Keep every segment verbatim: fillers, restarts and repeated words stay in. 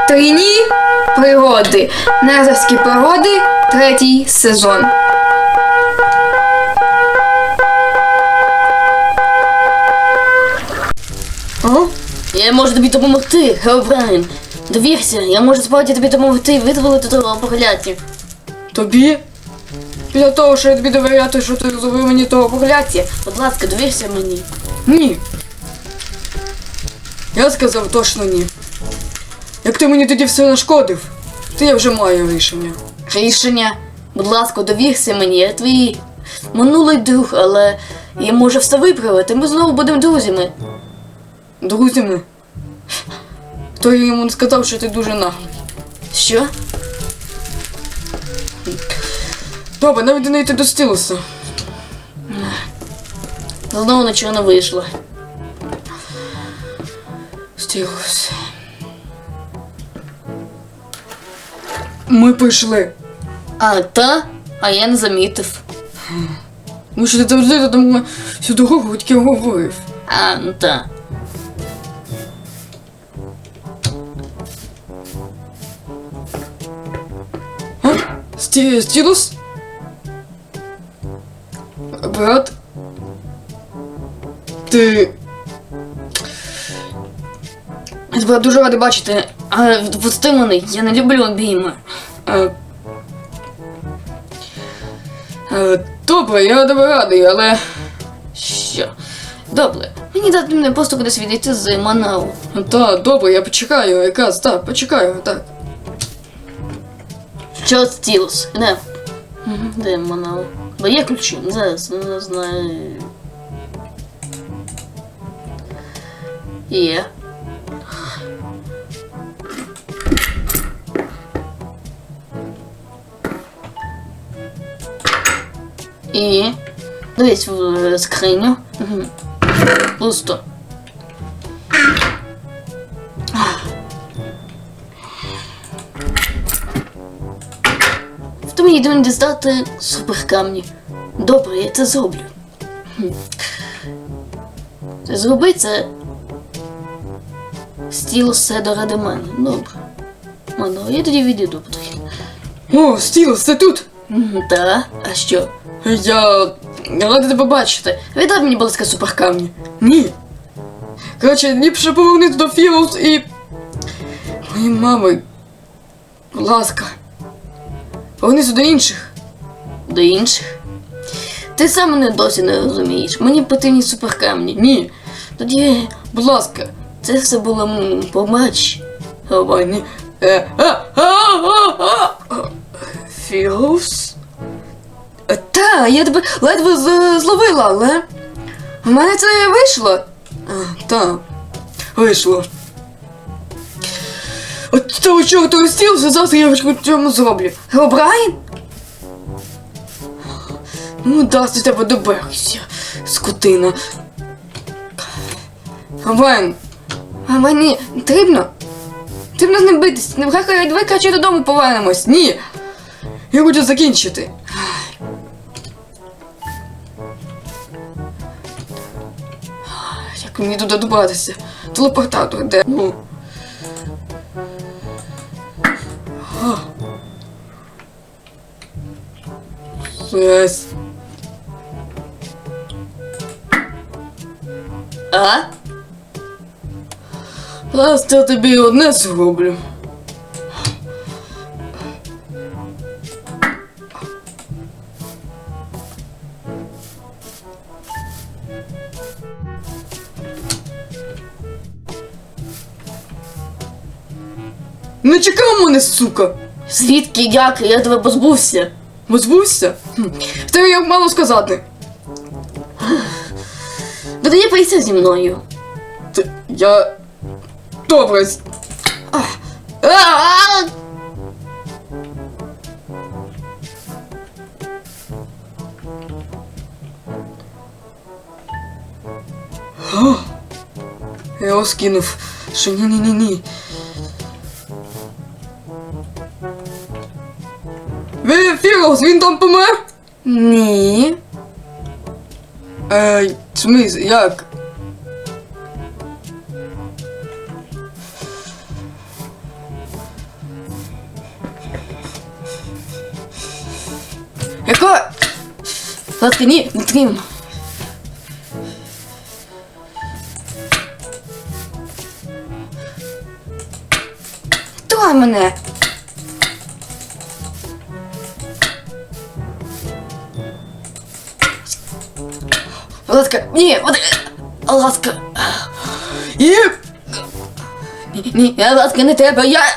Трійні пригоди. Незерські пригоди. Третій сезон. О? Я можу тобі допомогти, Херобрайн. Довірся, я можу справді тобі допомогти і визволити того прокляття. Тобі? Для того, що я тобі довіряти, що ти зробив мені того прокляття. Будь ласка, довірся мені. Ні. Я сказав точно ні. Як ти мені тоді все нашкодив, то я вже маю рішення. Рішення? Будь ласка, довірся мені, я твій минулий друг, але я можу все виправити, ми знову будемо друзями. Друзями? То я йому сказав, що ти дуже наглий. Що? Добре, навіть не йти до Стілуса. Знову нічого не вийшло. Стілус. Ми прийшли. А, та? А я не замітив. Ну що ти завжди тому всю дорогу тільки говорив. А, ну та. А? Сті... Стілус? Брат? Ти... Я тебе дуже радий бачити, але відпусти мене, я не люблю обійми. А... А, добре, я тебе радий, але... Що? Добре, мені дати мене просто кудись відійти з Манау. Та, добре, я почекаю, якраз, так, почекаю, так. Що Стілус? Де? Де Манау? Бо є ключі? Зараз, не знаю. Є. І... Дивись в скриню. Угу. Пусто. То мені йдемо дістати суперкамні. Добре, я це зроблю. Ти зроби це. Стілус все доради мене. Добре. Мано, я тоді відійду потрохи. О, Стілус, ти тут? Та, а що? Я... Я радий тебе бачити. Віддай мені, будь ласка, суперкамні. Ні. Коротше, ліпше повернути до Філус і... Мої мами... Будь ласка. Повернися до інших. До інших? Ти сам мене досі не розумієш. Мені потрібні суперкамні. Ні. Тоді, Будь ласка. це все було м, побач. Давай, ні. Е, а, а, а, а. Філус? Е, Та, я тебе ледве з- зловила, але... В мене це вийшло. А, та. Вийшло. От того чорту розстілся, завтра я в цьому зроблю. Геробрайн? Ну, дасть до тебе доберуся, скотина. Геробрайн, а мені потрібно? Потрібно з ним битись. Нехай давай краще додому повернемось. Ні. Я хочу закінчити. Як мені туди добратися? Телепортатор де? Ну. А. Жесть. А? Зараз я тобі одне зроблю. Не чекав мене, сука! Звідки, як? Я тебе позбувся. Позбувся? Хм. В тебе як мало сказати. Тоді поїся зі мною. Ти, я... Добре. А, а! О, я його скинув. Що ні-ні-ні-ні. Ви, Філус, він там помер? Ні. Ей, в смислі, як? ласка, ні, не трім. Давай мене. Ласка, ні, от, ласка. І... Ні, ні, я, ласка, не треба, я...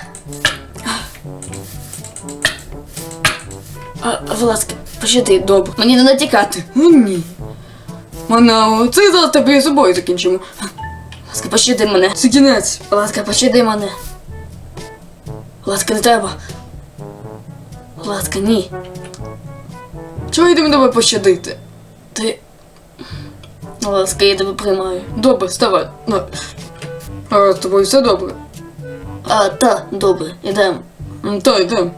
А, ласка, пощади, добре. Мені не натікати. Ну, ні. Манао, це зараз тебе з собою закінчимо. Ласка, пощади мене. Це кінець. Ласка, пощади мене. Ласка, не треба. Ласка, ні. Чого йдемо тебе пощадити? Ти... Ласка, я тебе приймаю. Добре, вставай. На. А з тобою все добре? А, та, добре, ідемо. М, Та, йдемо.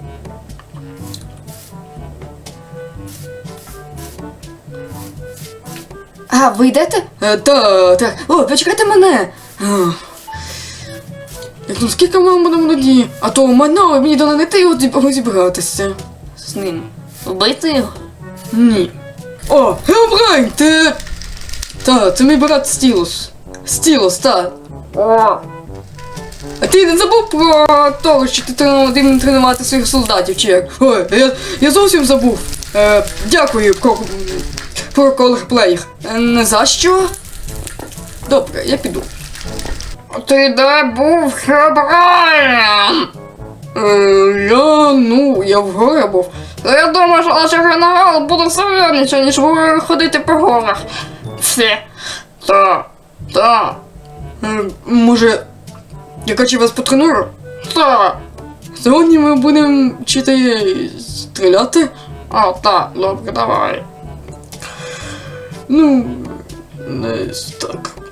А, ви йдете? Е, Та, так. О, почекайте мене. Ах. Як ну скільки ми будемо тоді? А то Манао мені дала не ти розібратися. З ним. Вбити його? Ні. О, Хелбрайн, ти... Та, це мій брат Стілус. Стілус, та. О. А ти не забув про того, що ти тренував тренувати своїх солдатів, чи як? Ой, я, я зовсім забув. Е, дякую, про, про колорплеєр. Е, не за що? Добре, я піду. Ти де був, Хелбрайн? Е, я, ну, я в горі був. Я думаю, що наш генерал буде серйозніше, ніж ви ходити по горах. Все. Та, та. Е, може, я качу вас потренуру? Та. Сьогодні ми будемо вчити стріляти? А, так, добре, давай. Ну, десь так.